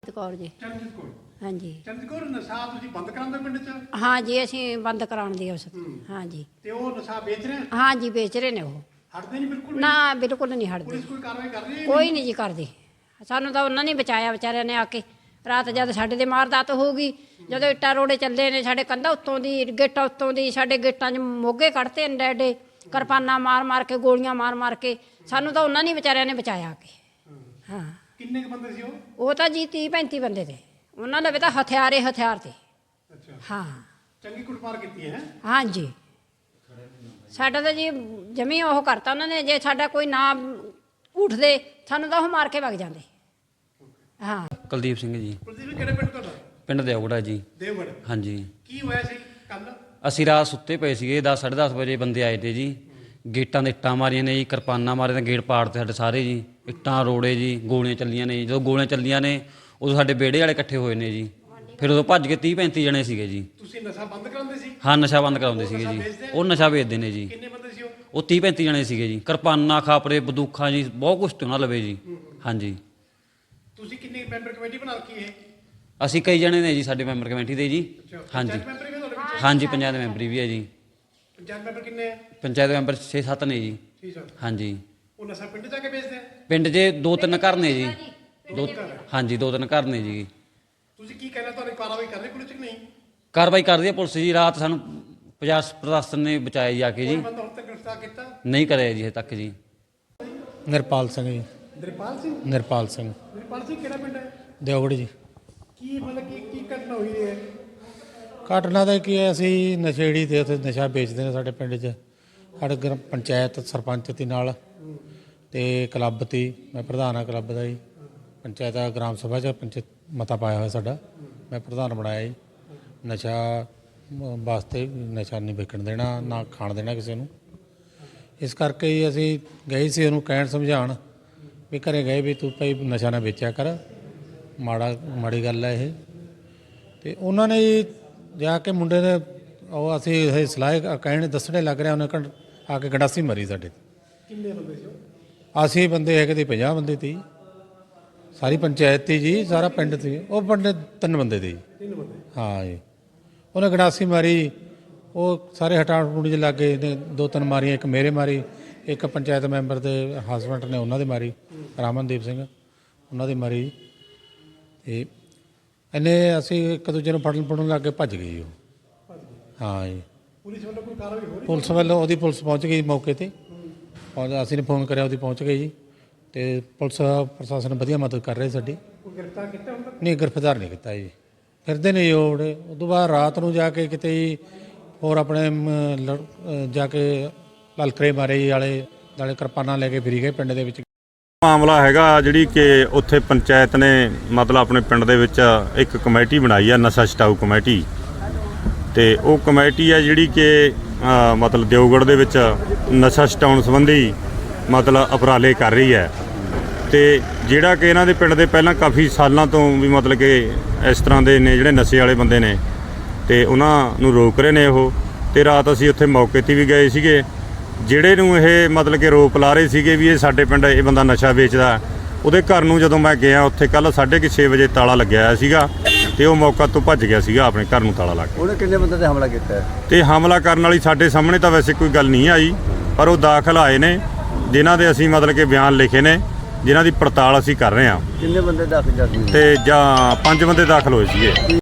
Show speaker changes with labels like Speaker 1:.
Speaker 1: कौर जी।
Speaker 2: चरणजीत कौर।
Speaker 1: हाँ जी।
Speaker 2: चरणजीत कौर नशा तुसीं बंद करांदे पिंड च?
Speaker 1: हाँ जी, असीं बंद कराउण दी उस। हाँ जी।
Speaker 2: ते ओह नशा बेच रहे हैं?
Speaker 1: हाँ जी, बेच रहे ने वो।
Speaker 2: हटदे नहीं बिल्कुल?
Speaker 1: ना बिल्कुल नहीं हटदे।
Speaker 2: पुलिस कोई कार्रवाई कर रही है?
Speaker 1: कोई नहीं जी करदी। ਸਾਨੂੰ ਤਾਂ ਉਹਨਾਂ ਨੇ ਬਚਾਇਆ ਵਿਚਾਰਿਆਂ ਨੇ ਆ ਕੇ। ਰਾਤ ਜਦ ਸਾਡੇ ਤੇ ਮਾਰਦਾਤ ਹੋ ਗਈ, ਜਦੋਂ ਇੱਟਾਂ ਰੋੜੇ ਚੱਲੇ ਨੇ, ਸਾਡੇ ਕੰਧਾਂ ਉੱਤੋਂ ਦੀ, ਗੇਟਾਂ ਉੱਤੋਂ ਦੀ, ਸਾਡੇ ਗੇਟਾਂ 'ਚ ਮੋਗੇ ਕੱਢਤੇ ਨੇ ਐਡੇ ਕਿਰਪਾਨਾਂ ਮਾਰ ਮਾਰ ਕੇ, ਗੋਲੀਆਂ ਮਾਰ ਮਾਰ ਕੇ। ਸਾਨੂੰ ਤਾਂ ਉਹਨਾਂ ਨੇ ਵਿਚਾਰਿਆਂ ਨੇ ਬਚਾਇਆ ਆ ਕੇ। ਹਾਂ।
Speaker 2: ਕਿੰਨੇ ਕੁ ਬੰਦੇ ਸੀ ਉਹ?
Speaker 1: ਉਹ ਤਾਂ ਜੀ 30-35 ਬੰਦੇ ਤੇ। ਉਹਨਾਂ ਦੇ ਵੀ ਤਾਂ ਹਥਿਆਰ ਤੇ।
Speaker 2: ਅੱਛਾ।
Speaker 1: ਹਾਂ।
Speaker 2: ਚੰਗੀ ਕੁੱਟਮਾਰ ਕੀਤੀ ਹੈ?
Speaker 1: ਹਾਂ ਜੀ। ਸਾਡਾ ਤਾਂ ਜੀ ਜਮੀ ਉਹ ਕਰਤਾ ਉਹਨਾਂ ਨੇ। ਜੇ ਸਾਡਾ ਕੋਈ ਨਾ ਉੱਠਦੇ ਸਾਨੂੰ ਤਾਂ ਉਹ ਮਾਰ ਕੇ ਵਗ ਜਾਂਦੇ। ਹਾਂ।
Speaker 3: ਕੁਲਦੀਪ ਸਿੰਘ ਜੀ।
Speaker 2: ਕੁਲਦੀਪ ਜੀ ਕਿਹੜੇ ਪਿੰਡ ਤੁਹਾਡਾ?
Speaker 3: ਪਿੰਡ ਦੇਵਗੜ੍ਹ ਜੀ।
Speaker 2: ਦੇਵਗੜ੍ਹ।
Speaker 3: ਹਾਂਜੀ।
Speaker 2: ਕੀ ਹੋਇਆ ਸੀ ਕੱਲ?
Speaker 3: ਅਸੀਂ ਰਾਤ ਸੁੱਤੇ ਪਏ ਸੀਗੇ, 10-10:30 ਵਜੇ ਬੰਦੇ ਆਏ ਤੇ ਜੀ। ਗੇਟਾਂ ਦੇ ਇੱਟਾਂ ਮਾਰੀਆਂ ਨੇ ਜੀ, ਕਿਰਪਾਨਾਂ ਮਾਰੀਆਂ ਨੇ, ਗੇਟ ਪਾੜ ਤੇ ਸਾਡੇ ਸਾਰੇ ਜੀ। ਇੱਟਾਂ ਰੋੜੇ ਜੀ, ਗੋਲੀਆਂ ਚੱਲੀਆਂ ਨੇ ਜੀ। ਜਦੋਂ ਗੋਲੀਆਂ ਚੱਲੀਆਂ ਨੇ ਉਦੋਂ ਸਾਡੇ ਵਿਹੜੇ ਵਾਲੇ ਇਕੱਠੇ ਹੋਏ ਨੇ ਜੀ। ਫਿਰ ਉਦੋਂ ਭੱਜ ਕੇ 30-35 ਜਣੇ ਸੀਗੇ ਜੀ।
Speaker 2: ਤੁਸੀਂ ਨਸ਼ਾ ਬੰਦ ਕਰਾਉਂਦੇ ਸੀ?
Speaker 3: ਹਾਂ, ਨਸ਼ਾ ਬੰਦ ਕਰਾਉਂਦੇ ਸੀਗੇ ਜੀ। ਉਹ ਨਸ਼ਾ ਵੇਚਦੇ ਨੇ ਜੀ।
Speaker 2: ਕਿੰਨੇ ਬੰਦੇ ਸੀ ਉਹ?
Speaker 3: ਉਹ 30-35 ਜਣੇ ਸੀਗੇ ਜੀ। ਕਿਰਪਾਨਾਂ, ਖਾਪਰੇ, ਬੰਦੂਕਾਂ ਜੀ, ਬਹੁਤ ਕੁਛ ਤੇ ਉਹਨਾਂ ਲਵੇ ਜੀ। ਹਾਂਜੀ।
Speaker 2: ਤੁਸੀਂ ਕਿੰਨੀ ਮੈਂਬਰ ਕਮੇਟੀ ਬਣਾ ਰੱਖੀ ਹੈ?
Speaker 3: ਅਸੀਂ ਕਈ ਜਣੇ ਨੇ ਜੀ ਸਾਡੇ ਮੈਂਬਰ ਕਮੇਟੀ ਦੇ ਜੀ। ਹਾਂਜੀ।
Speaker 2: ਪੰਚਾਇਤ ਮੈਂਬਰ ਵੀ ਤੁਹਾਡੇ ਵਿੱਚ?
Speaker 3: ਹਾਂਜੀ, ਪੰਚਾਇਤ ਮੈਂਬਰੀ ਵੀ ਹੈ ਜੀ।
Speaker 2: ਪੰਚਾਇਤ ਮੈਂਬਰ ਕਿੰਨੇ ਹੈ?
Speaker 3: ਪੰਚਾਇਤ ਮੈਂਬਰ 6-7 ਨੇ ਜੀ।
Speaker 2: ਠੀਕ ਹੈ।
Speaker 3: ਹਾਂਜੀ।
Speaker 2: ਉਹ ਨਸ਼ਾ ਪਿੰਡ ਜਾ ਕੇ ਵੇਚਦੇ ਆ?
Speaker 3: ਪਿੰਡ 'ਚ 2-3 ਘਰ ਨੇ ਜੀ। ਹਾਂਜੀ, 2-3 ਘਰ ਨੇ ਜੀ।
Speaker 2: ਤੁਸੀਂ ਕੀ ਕਹਿਣਾ, ਤੁਹਾਡੀ ਕਾਰਵਾਈ ਕਰ ਰਹੀ ਪੁਲਿਸ ਕਿ ਨਹੀਂ?
Speaker 3: ਕਾਰਵਾਈ ਕਰਦੀ ਹੈ ਪੁਲਿਸ ਜੀ। ਰਾਤ ਸਾਨੂੰ ਪ੍ਰਸ਼ਾਸਨ ਨੇ ਬਚਾਇਆ ਜਾ ਕੇ ਜੀ।
Speaker 2: ਕੋਈ ਬੰਦਾ ਹੁਣ ਤੱਕ ਗ੍ਰਿਫਤਾਰ ਕੀਤਾ?
Speaker 3: ਨਹੀਂ ਕਰਿਆ ਜੀ ਹਜੇ ਤੱਕ ਜੀ।
Speaker 4: ਨਿਰਪਾਲ ਸਿੰਘ ਜੀ।
Speaker 2: ਨਿਰਪਾਲ ਸਿੰਘ?
Speaker 4: ਨਿਰਪਾਲ ਸਿੰਘ
Speaker 2: ਨਿਰਪਾਲ ਸਿੰਘ ਕਿਹੜਾ ਪਿੰਡ ਹੈ?
Speaker 4: ਦਿਓਗੜ ਜੀ।
Speaker 2: ਕੀ ਮਤਲਬ ਕੀ ਘਟਨਾ ਹੋਈ ਹੈ?
Speaker 4: ਘਟਨਾ ਦਾ ਕੀ ਹੈ, ਅਸੀਂ ਨਸ਼ੇੜੀ ਤੇ ਉੱਥੇ ਨਸ਼ਾ ਵੇਚਦੇ ਨੇ ਸਾਡੇ ਪਿੰਡ 'ਚ। ਸਾਡੇ ਪੰਚਾਇਤ ਸਰਪੰਚ ਤੀ ਨਾਲ ਤੇ ਕਲੱਬ ਤੀ। ਮੈਂ ਪ੍ਰਧਾਨ ਆ ਕਲੱਬ ਦਾ ਜੀ। ਪੰਚਾਇਤ ਗ੍ਰਾਮ ਸਭਾ 'ਚ ਮਤਾ ਪਾਇਆ ਹੋਇਆ ਸਾਡਾ। ਮੈਂ ਪ੍ਰਧਾਨ ਬਣਾਇਆ ਜੀ। ਨਸ਼ਾ ਵਾਸਤੇ ਨਸ਼ਾ ਨਹੀਂ ਵਿਕਣ ਦੇਣਾ, ਨਾ ਖਾਣ ਦੇਣਾ ਕਿਸੇ ਨੂੰ। ਇਸ ਕਰਕੇ ਹੀ ਅਸੀਂ ਗਏ ਸੀ ਉਹਨੂੰ ਕਹਿਣ ਸਮਝਾਉਣ ਵੀ ਘਰੇ ਗਏ ਵੀ ਤੂੰ ਭਾਈ ਨਸ਼ਾ ਨਾ ਵੇਚਿਆ ਕਰ, ਮਾੜੀ ਗੱਲ ਹੈ ਇਹ। ਤੇ ਉਹਨਾਂ ਨੇ ਜਾ ਕੇ ਮੁੰਡੇ ਨੇ ਉਹ ਅਸੀਂ ਇਹ ਸਲਾਹ ਕਹਿਣ ਦੱਸਣੇ ਲੱਗ ਰਿਹਾ, ਉਹਨੇ ਆ ਕੇ ਗੰਡਾਸੀ ਮਾਰੀ ਸਾਡੇ।
Speaker 2: ਕਿੰਨੇ ਬੰਦੇ ਸੀ ਉਹ?
Speaker 4: ਅਸੀਂ ਬੰਦੇ ਹੈਗੇ ਤੇ 50 ਬੰਦੇ ਤੀ। ਸਾਰੀ ਪੰਚਾਇਤ ਤੀ ਜੀ, ਸਾਰਾ ਪਿੰਡ ਤੀ। ਉਹ ਬੰਦੇ 3 ਬੰਦੇ ਤੀ।
Speaker 2: 3 ਬੰਦੇ?
Speaker 4: ਹਾਂ ਜੀ। ਉਹਨੇ ਗੰਡਾਸੀ ਮਾਰੀ, ਉਹ ਸਾਰੇ ਹਟਾਉਣ ਹਟੂਣ 'ਚ ਲੱਗ ਗਏ ਨੇ। 2-3 ਮਾਰੀਆਂ, ਇੱਕ ਮੇਰੇ ਮਾਰੀ, ਇੱਕ ਪੰਚਾਇਤ ਮੈਂਬਰ ਦੇ ਹਸਬੈਂਡ ਨੇ ਉਹਨਾਂ ਦੇ ਮਾਰੀ, ਰਾਮਨਦੀਪ ਸਿੰਘ, ਉਹਨਾਂ ਦੀ ਮਾਰੀ। ਤੇ ਇਹਨੇ ਅਸੀਂ ਇੱਕ ਦੂਜੇ ਨੂੰ ਫੜਨ ਲੱਗ ਕੇ ਭੱਜ ਗਏ ਜੀ ਉਹ। ਹਾਂ ਜੀ।
Speaker 2: ਪੁਲਿਸ ਵੱਲੋਂ ਕੋਈ ਕਾਰਵਾਈ ਹੋ ਰਹੀ?
Speaker 4: ਪੁਲਿਸ ਵੱਲੋਂ ਪੁਲਿਸ ਪਹੁੰਚ ਗਈ ਮੌਕੇ ਤੇ। ਅਸੀਂ ਨੇ ਫੋਨ ਕਰਿਆ, ਉਹਦੀ ਪਹੁੰਚ ਗਈ ਜੀ। ਤੇ ਪੁਲਿਸ ਪ੍ਰਸ਼ਾਸਨ ਵਧੀਆ ਮਦਦ ਕਰ ਰਹੇ ਸਾਡੀ।
Speaker 2: ਕੋਈ ਗ੍ਰਿਫਤਾਰ ਕੀਤਾ ਹੁਣ ਤੱਕ?
Speaker 4: ਨਹੀਂ, ਗ੍ਰਿਫਤਾਰ ਨਹੀਂ ਕੀਤਾ ਜੀ। ਫਿਰਦੇ ਨੇ ਜੀ ਉਹ। ਉਸ ਤੋਂ ਬਾਅਦ ਰਾਤ ਨੂੰ ਜਾ ਕੇ ਕਿਤੇ ਜੀ ਹੋਰ ਆਪਣੇ ਜਾ ਕੇ ਲਲਕਰੇ ਮਾਰੇ ਜੀ, ਆਲੇ ਦਾਲੇ ਕਿਰਪਾਨਾਂ ਲੈ ਕੇ ਫਿਰੀ ਗਏ ਪਿੰਡ ਦੇ ਵਿੱਚ।
Speaker 5: ਮਾਮਲਾ ਹੈਗਾ ਜਿਹੜੀ ਕਿ ਉੱਥੇ ਪੰਚਾਇਤ ਨੇ ਮਤਲਬ ਆਪਣੇ ਪਿੰਡ ਦੇ ਵਿੱਚ ਇੱਕ ਕਮੇਟੀ ਬਣਾਈ ਆ, ਨਸ਼ਾ ਛਡਾਊ ਕਮੇਟੀ। ਤੇ ਉਹ ਕਮੇਟੀ ਹੈ ਜਿਹੜੀ ਕਿ ਮਤਲਬ ਦਿਓਗੜ੍ਹ ਦੇ ਵਿੱਚ ਨਸ਼ਾ ਛਡਾਉਣ ਸੰਬੰਧੀ ਮਤਲਬ ਉਪਰਾਲੇ ਕਰ ਰਹੀ ਹੈ। ਤੇ ਜਿਹੜਾ ਕਿ ਇਹਨਾਂ ਦੇ ਪਿੰਡ ਦੇ ਪਹਿਲਾਂ ਕਾਫੀ ਸਾਲਾਂ ਤੋਂ ਵੀ ਮਤਲਬ ਕਿ ਇਸ ਤਰ੍ਹਾਂ ਦੇ ਨੇ ਜਿਹੜੇ ਨਸ਼ੇ ਵਾਲੇ ਬੰਦੇ ਨੇ, ਤੇ ਉਹਨਾਂ ਨੂੰ ਰੋਕ ਰਹੇ ਨੇ ਉਹ। ਤੇ ਰਾਤ ਅਸੀਂ ਉੱਥੇ ਮੌਕੇ 'ਤੇ ਵੀ ਗਏ ਸੀਗੇ। ਜਿਹੜੇ ਨੂੰ ਇਹ ਮਤਲਬ ਕਿ ਰੋਪ ਲਾ ਰਹੇ ਸੀਗੇ ਵੀ ਇਹ ਸਾਡੇ ਪਿੰਡ ਇਹ ਬੰਦਾ ਨਸ਼ਾ ਵੇਚਦਾ, ਉਹਦੇ ਘਰ ਨੂੰ ਜਦੋਂ ਮੈਂ ਗਿਆ ਉੱਥੇ ਕੱਲ੍ਹ 6:30 ਵਜੇ ਤਾਲਾ ਲੱਗਿਆ ਹੋਇਆ ਸੀਗਾ। ਤੇ ਉਹ ਮੌਕਾ ਤੋਂ ਭੱਜ ਗਿਆ ਸੀਗਾ, ਆਪਣੇ ਘਰ ਨੂੰ ਤਾਲਾ ਲਾ ਕੇ।
Speaker 6: ਉਹਨੇ ਕਿੰਨੇ ਬੰਦੇ ਤੇ ਹਮਲਾ ਕੀਤਾ?
Speaker 5: ਤੇ ਹਮਲਾ ਕਰਨ ਵਾਲੀ ਸਾਡੇ ਸਾਹਮਣੇ ਤਾਂ ਵੈਸੇ ਕੋਈ ਗੱਲ ਨਹੀਂ ਆਈ, ਪਰ ਉਹ ਦਾਖਲ ਆਏ ਨੇ ਜਿਨ੍ਹਾਂ ਦੇ ਅਸੀਂ ਮਤਲਬ ਕਿ ਬਿਆਨ ਲਿਖੇ ਨੇ, ਜਿਨ੍ਹਾਂ ਦੀ ਪੜਤਾਲ ਅਸੀਂ ਕਰ ਰਹੇ ਹਾਂ।
Speaker 6: ਕਿੰਨੇ ਬੰਦੇ ਦਾਖਲ?
Speaker 5: ਤੇ ਜਾਂ 5 ਬੰਦੇ ਦਾਖਲ ਹੋਏ ਸੀਗੇ।